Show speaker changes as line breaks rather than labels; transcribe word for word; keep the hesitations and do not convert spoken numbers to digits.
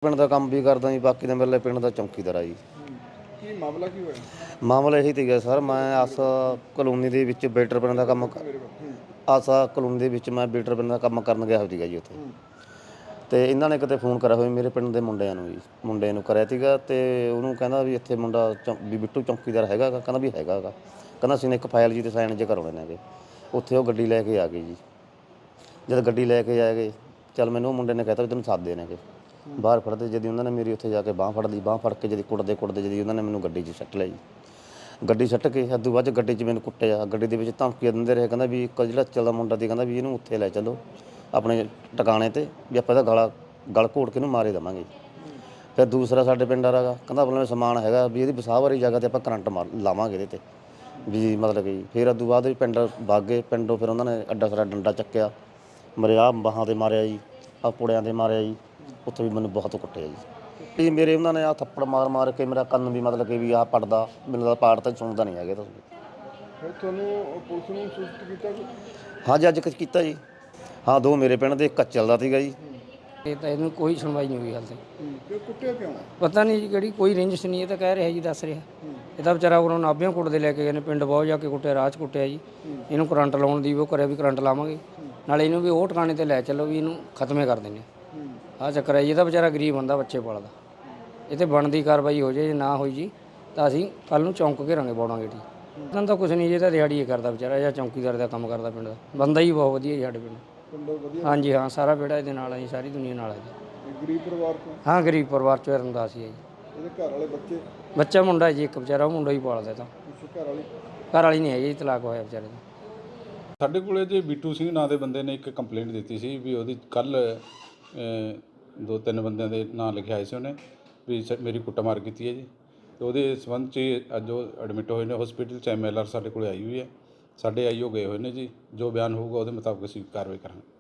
ਪਿੰਡ ਦਾ ਕੰਮ ਵੀ ਕਰਦਾ ਜੀ, ਬਾਕੀ ਤਾਂ ਮੇਰੇ ਪਿੰਡ ਦਾ ਚੌਂਕੀਦਾਰ ਆ ਜੀ।
ਕੀ ਮਾਮਲਾ ਕੀ ਹੋਇਆ?
ਮਾਮਲਾ ਇਹੀ ਸੀਗਾ ਸਰ, ਮੈਂ ਆਸ ਕਲੋਨੀ ਦੇ ਵਿੱਚ ਵੇਟਰ ਬਣਨ ਦਾ ਕੰਮ ਆਸਾ ਕਲੋਨੀ ਦੇ ਵਿੱਚ ਮੈਂ ਵੇਟਰ ਬਣਨ ਦਾ ਕੰਮ ਕਰਨ ਗਿਆ ਸੀਗਾ ਜੀ ਉੱਥੇ। ਤੇ ਇਹਨਾਂ ਨੇ ਕਿਤੇ ਫੋਨ ਕਰਿਆ ਹੋਇਆ ਮੇਰੇ ਪਿੰਡ ਦੇ ਮੁੰਡਿਆਂ ਨੂੰ ਜੀ, ਮੁੰਡੇ ਨੂੰ ਕਰਿਆ ਸੀਗਾ ਤੇ ਉਹਨੂੰ ਕਹਿੰਦਾ ਵੀ ਇੱਥੇ ਮੁੰਡਾ ਚੌਂ ਵੀ ਬਿੱਟੂ ਚੌਂਕੀਦਾਰ ਹੈਗਾ ਗਾ, ਕਹਿੰਦਾ ਵੀ ਹੈਗਾ ਗਾ, ਕਹਿੰਦਾ ਅਸੀਂ ਨੇ ਇੱਕ ਫਾਈਲ ਜੀ ਤੇ ਸਾਈਨ ਜੇ ਕਰਾਉਣੇ ਨੇਗੇ। ਉੱਥੇ ਉਹ ਗੱਡੀ ਲੈ ਕੇ ਆ ਗਏ ਜੀ। ਜਦ ਗੱਡੀ ਲੈ ਕੇ ਆ ਗਏ, ਚੱਲ ਮੈਨੂੰ ਉਹ ਮੁੰਡੇ ਨੇ ਕਹਿਤਾ ਵੀ ਤੈਨੂੰ ਸਾਦੇ ਨੇਗੇ ਬਾਹਰ ਫੜਦੇ। ਜਦੀ ਉਹਨਾਂ ਨੇ ਮੇਰੀ ਉੱਥੇ ਜਾ ਕੇ ਬਾਂਹ ਫੜ ਲਈ, ਬਾਂਹ ਫੜ ਕੇ ਜਦੀ ਕੁੱਟਦੇ ਕੁੱਟਦੇ ਜਦੀ ਉਹਨਾਂ ਨੇ ਮੈਨੂੰ ਗੱਡੀ 'ਚ ਸੱਟ ਲਿਆ ਜੀ। ਗੱਡੀ ਸੱਟ ਕੇ ਅੱਧੂ ਬਾਅਦ 'ਚ ਗੱਡੀ 'ਚ ਮੈਨੂੰ ਕੁੱਟਿਆ, ਗੱਡੀ ਦੇ ਵਿੱਚ ਧਮਕੀਆਂ ਦਿੰਦੇ ਰਹੇ, ਕਹਿੰਦਾ ਵੀ ਇੱਕ ਜਿਹੜਾ ਚੱਲਦਾ ਮੁੰਡਾ ਸੀ ਕਹਿੰਦਾ ਵੀ ਇਹਨੂੰ ਉੱਥੇ ਲੈ ਚੱਲੋ ਆਪਣੇ ਟਿਕਾਣੇ 'ਤੇ, ਵੀ ਆਪਾਂ ਇਹਦਾ ਗਲਾ ਗਲ ਘੋਟ ਕੇ ਇਹਨੂੰ ਮਾਰੇ ਦੇਵਾਂਗੇ। ਫਿਰ ਦੂਸਰਾ ਸਾਡੇ ਪਿੰਡ ਵਾਲਾ ਗਾ ਕਹਿੰਦਾ ਆਪਣੇ ਸਮਾਨ ਹੈਗਾ ਵੀ ਇਹਦੀ ਵਸਾਹ ਵਾਲੀ ਜਗ੍ਹਾ 'ਤੇ ਆਪਾਂ ਕਰੰਟ ਮਾਰ ਲਾਵਾਂਗੇ ਇਹਦੇ 'ਤੇ ਵੀ ਮਤਲਬ ਕਿ। ਫਿਰ ਅੱਧੂ ਬਾਅਦ ਵੀ ਪਿੰਡ ਵਗ ਗਏ, ਪਿੰਡੋਂ ਫਿਰ ਉਹਨਾਂ ਨੇ ਅੱਡਾ ਸਾਰਾ ਡੰਡਾ ਚੱਕਿਆ, ਮੇਰੇ ਆਹ ਬਾਹਾਂ 'ਤੇ ਮਾਰਿਆ ਜੀ, ਆਹ ਪੁੜਿਆਂ 'ਤੇ ਮਾਰਿਆ ਜੀ, ਉੱਥੇ ਵੀ ਮੈਨੂੰ ਬਹੁਤ ਕੁੱਟਿਆ ਜੀ। ਵੀ ਮੇਰੇ ਉਹਨਾਂ ਨੇ ਆਹ ਥੱਪੜ ਮਾਰ ਮਾਰ ਕੇ ਮੇਰਾ ਕੰਨ ਵੀ ਮਤਲਬ ਕਿ ਵੀ ਆਹ ਪੜਦਾ ਮੈਨੂੰ ਤਾਂ ਪਾੜ ਤਾਂ ਸੁਣਦਾ ਨਹੀਂ ਹੈਗੇ ਤੁਸੀਂ।
ਫਿਰ ਤੁਹਾਨੂੰ ਪੁਲਿਸ ਨੂੰ ਸੂਚਿਤ ਕੀਤਾ?
ਹਾਂਜੀ ਅੱਜ ਕੁਛ ਕੀਤਾ ਜੀ। ਹਾਂ ਦੋ ਮੇਰੇ ਪਿੰਡ ਦੇ, ਇੱਕ ਕੱਚਲ ਦਾ ਸੀਗਾ ਜੀ।
ਇਹ ਤਾਂ ਇਹਨੂੰ ਕੋਈ ਸੁਣਵਾਈ ਨਹੀਂ ਹੋਈ ਹਾਲ ਤੱਕ।
ਕਿਉਂ ਕੁੱਟਿਆ ਕਿਉਂ?
ਪਤਾ ਨਹੀਂ ਜੀ ਕਿਹੜੀ ਕੋਈ ਰੇਂਜਿਸ਼ ਨਹੀਂ, ਇਹ ਤਾਂ ਕਹਿ ਰਿਹਾ ਜੀ, ਦੱਸ ਰਿਹਾ। ਇਹਦਾ ਵਿਚਾਰਾ ਉਹਨਾਂ ਨਾਭਿਆਂ ਕੁੱਟਦੇ ਲੈ ਕੇ ਗਏ ਨੇ, ਪਿੰਡ ਬਹੁਤ ਜਾ ਕੇ ਕੁੱਟਿਆ, ਰਾਹ 'ਚ ਕੁੱਟਿਆ ਜੀ। ਇਹਨੂੰ ਕਰੰਟ ਲਾਉਣ ਦੀ ਉਹ ਕਰਿਆ ਵੀ ਕਰੰਟ ਲਾਵਾਂਗੇ, ਨਾਲੇ ਇਹਨੂੰ ਵੀ ਉਹ ਟਿਕਾਣੇ 'ਤੇ ਲੈ ਚੱਲੋ ਵੀ ਇਹਨੂੰ ਖਤਮੇ ਕਰ ਦਿੰਦੇ। ਆਹ ਚੱਕਰ ਹੈ ਜੀ। ਇਹਦਾ ਵਿਚਾਰਾ ਗਰੀਬ ਬੰਦਾ, ਬੱਚੇ ਪਾਲਦਾ। ਇਹ 'ਤੇ ਬਣਦੀ ਕਾਰਵਾਈ ਹੋ ਜਾਏ, ਜੇ ਨਾ ਹੋਈ ਜੀ ਤਾਂ ਅਸੀਂ ਕੱਲ੍ਹ ਨੂੰ ਚੌਂਕ ਘੇਰਾਂਗੇ ਬੋੜਾਂਗੇ ਜੀ। ਇਹਨਾਂ ਤਾਂ ਕੁਛ ਨਹੀਂ ਜੀ, ਇਹ ਤਾਂ ਦਿਹਾੜੀ ਹੀ ਕਰਦਾ ਵਿਚਾਰਾ, ਜਾਂ ਚੌਂਕੀਦਾਰ ਦਾ ਕੰਮ ਕਰਦਾ ਪਿੰਡ ਦਾ। ਬੰਦਾ ਹੀ ਬਹੁਤ ਵਧੀਆ ਜੀ ਸਾਡੇ ਪਿੰਡ। ਹਾਂਜੀ ਹਾਂ, ਸਾਰਾ ਬੇੜਾ ਇਹਦੇ ਨਾਲ ਹੈ ਜੀ, ਸਾਰੀ ਦੁਨੀਆ ਨਾਲ ਹੈ ਜੀ।
ਗਰੀਬ ਪਰਿਵਾਰ ਤੋਂ? ਹਾਂ
ਗਰੀਬ ਪਰਿਵਾਰ 'ਚੋਂ ਰਮਦਾਸ ਹੀ ਹੈ ਜੀ।
ਇਹਦੇ ਘਰ ਵਾਲੇ ਬੱਚੇ?
ਬੱਚਾ ਮੁੰਡਾ ਜੀ ਇੱਕ ਵਿਚਾਰਾ, ਉਹ ਮੁੰਡਾ ਹੀ ਪਾਲਦਾ। ਤਾਂ
ਘਰ ਵਾਲੀ?
ਘਰ ਵਾਲੀ ਨਹੀਂ ਹੈ ਜੀ, ਤਲਾਕ ਹੋਇਆ ਵਿਚਾਰੇ ਦਾ।
ਸਾਡੇ ਕੋਲੇ ਜੀ ਬਿੱਟੂ ਸਿੰਘ ਨਾਂ ਦੇ ਬੰਦੇ ਨੇ ਇੱਕ ਕੰਪਲੇਂਟ ਦਿੱਤੀ ਸੀ ਵੀ ਉਹਦੀ ਕੱਲ੍ਹ ਦੋ ਤਿੰਨ ਬੰਦਿਆਂ ਦੇ ਨਾਂ ਲਿਖੇ ਆਏ ਸੀ ਉਹਨੇ ਵੀ ਸ ਮੇਰੀ ਕੁੱਟਮਾਰ ਕੀਤੀ ਹੈ ਜੀ। ਅਤੇ ਉਹਦੇ ਸੰਬੰਧ 'ਚ ਅੱਜ ਉਹ ਐਡਮਿਟ ਹੋਏ ਨੇ ਹੌਸਪੀਟਲ 'ਚ। ਐਮ ਐਲ ਆਰ ਸਾਡੇ ਕੋਲ ਆਈ ਹੋਈ ਹੈ, ਸਾਡੇ ਆਈ ਓ ਗਏ ਹੋਏ ਨੇ ਜੀ। ਜੋ ਬਿਆਨ ਹੋਊਗਾ ਉਹਦੇ ਮੁਤਾਬਕ ਅਸੀਂ ਕਾਰਵਾਈ ਕਰਾਂਗੇ।